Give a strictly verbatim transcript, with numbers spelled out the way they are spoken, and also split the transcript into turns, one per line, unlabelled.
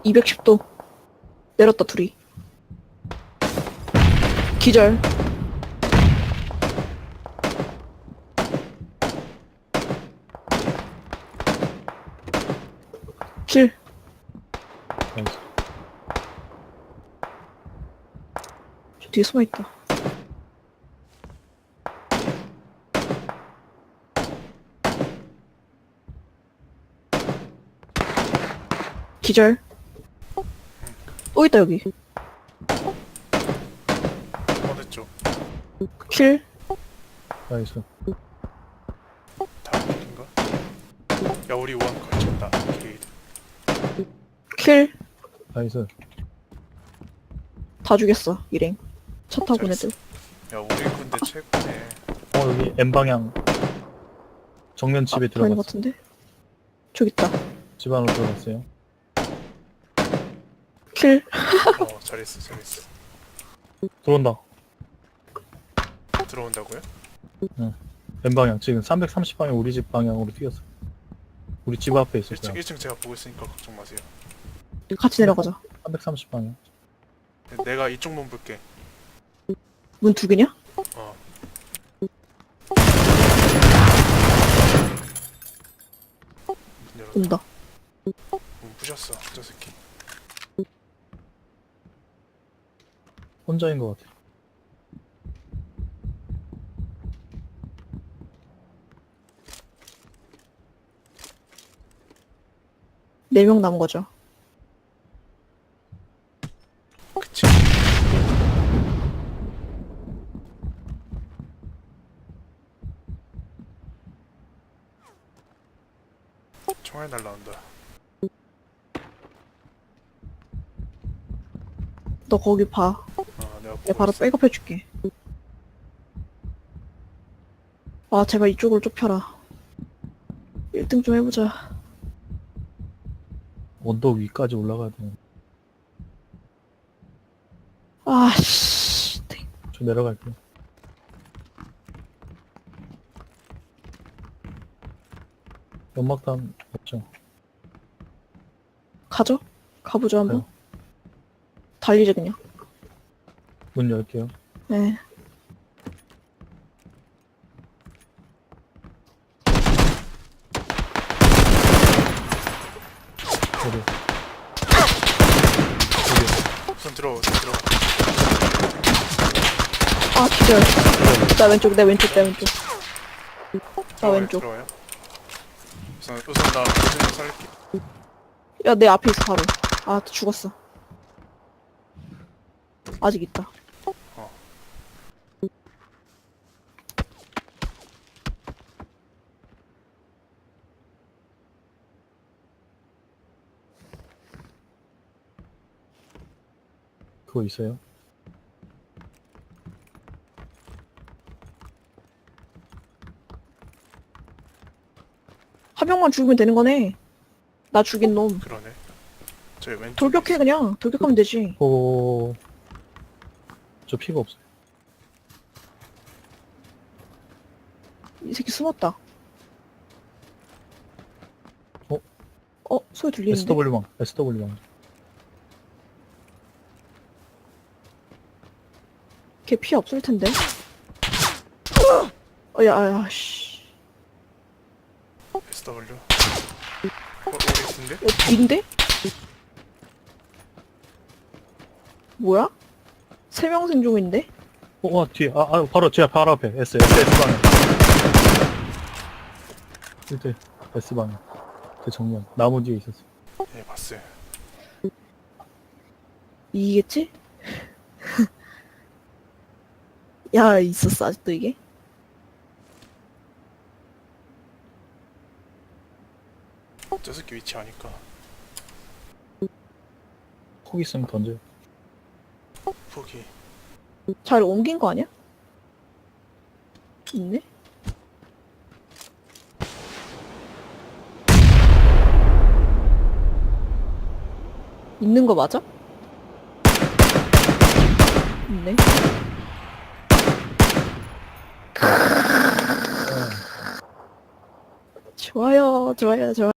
이백십 도 내렸다 둘이. 기절. 킬.
나이스.
저 뒤에 숨어있다. 기절. 또 있다 여기.
어느 쪽?
킬.
나이스.
다음 길인가? 야 우리 원 걸쳤다. 게이드.
킬.
나이스.
다 죽였어 일행. 차 타고 온
잘했어.
애들.
야 우리 군대 최고네.
어, 여기 N방향. 정면 집에
아, 보이는 것
들어갔어.
같은데? 저기 있다.
집 안으로 들어갔어요.
킬.
어 잘했어 잘했어.
들어온다.
들어온다고요?
N방향. 지금 삼백삼십 방향 우리 집 방향으로 뛰었어. 우리 집 앞에 있을
일 층
거야.
일 층 제가 보고 있으니까 걱정 마세요.
같이 내려가자.
삼백삼십 방향.
내가 이쪽 문 볼게.
문 두 개냐?
어. 문 열어.
온다.
문 부셨어 저 새끼.
혼자인 것 같아.
네 명 남은 거죠.
그치. 총알 날라온다.
너 거기 봐.
어 내가
내가
보고
바로
있어.
백업해줄게. 아 제발 이쪽으로 좁혀라. 일 등 좀 해보자.
언덕 위까지 올라가야 돼.
아씨.
저 내려갈게요. 연막탄 없죠?
가죠? 가보죠 한번.
가요.
달리자 그냥.
문 열게요.
네.
여기.
우선 들어와 우선 들어와.
아 기절. 나 왼쪽 내 왼쪽 내 왼쪽. 나
들어와요,
왼쪽.
들어와요. 우선 우선 나 우선 살릴게.
야 내 앞에 있어 바로. 아 죽었어. 아직 있다.
어.
그거 있어요?
한 명만 죽으면 되는 거네. 나 죽인 놈.
그러네. 저기 왼쪽.
돌격해 그냥. 돌격하면 되지.
오. 저 피가 없어요.
이 새끼 숨었다.
어?
어? 소리 들리는데?
에스더블유방. 에스더블유방.
걔 피 없을 텐데. 어, 야, 야, 씨.
에스더블유. 어, 우리 군대?
야, 뒤인데? 뭐야? 세 명 생존인데?
어, 와, 뒤에. 아, 아, 바로 제 바로 앞에. S, S, S방향. 이때 S방향. 그 정면. 나무 뒤에 있었어.
예, 봤어요.
이기겠지? 야, 있었어, 아직도 이게?
저 새끼 위치 아니까.
폭 있으면 던져요.
포기.
잘 옮긴 거 아니야? 있네? 있는 거 맞아? 있네. 좋아요, 좋아요, 좋아요.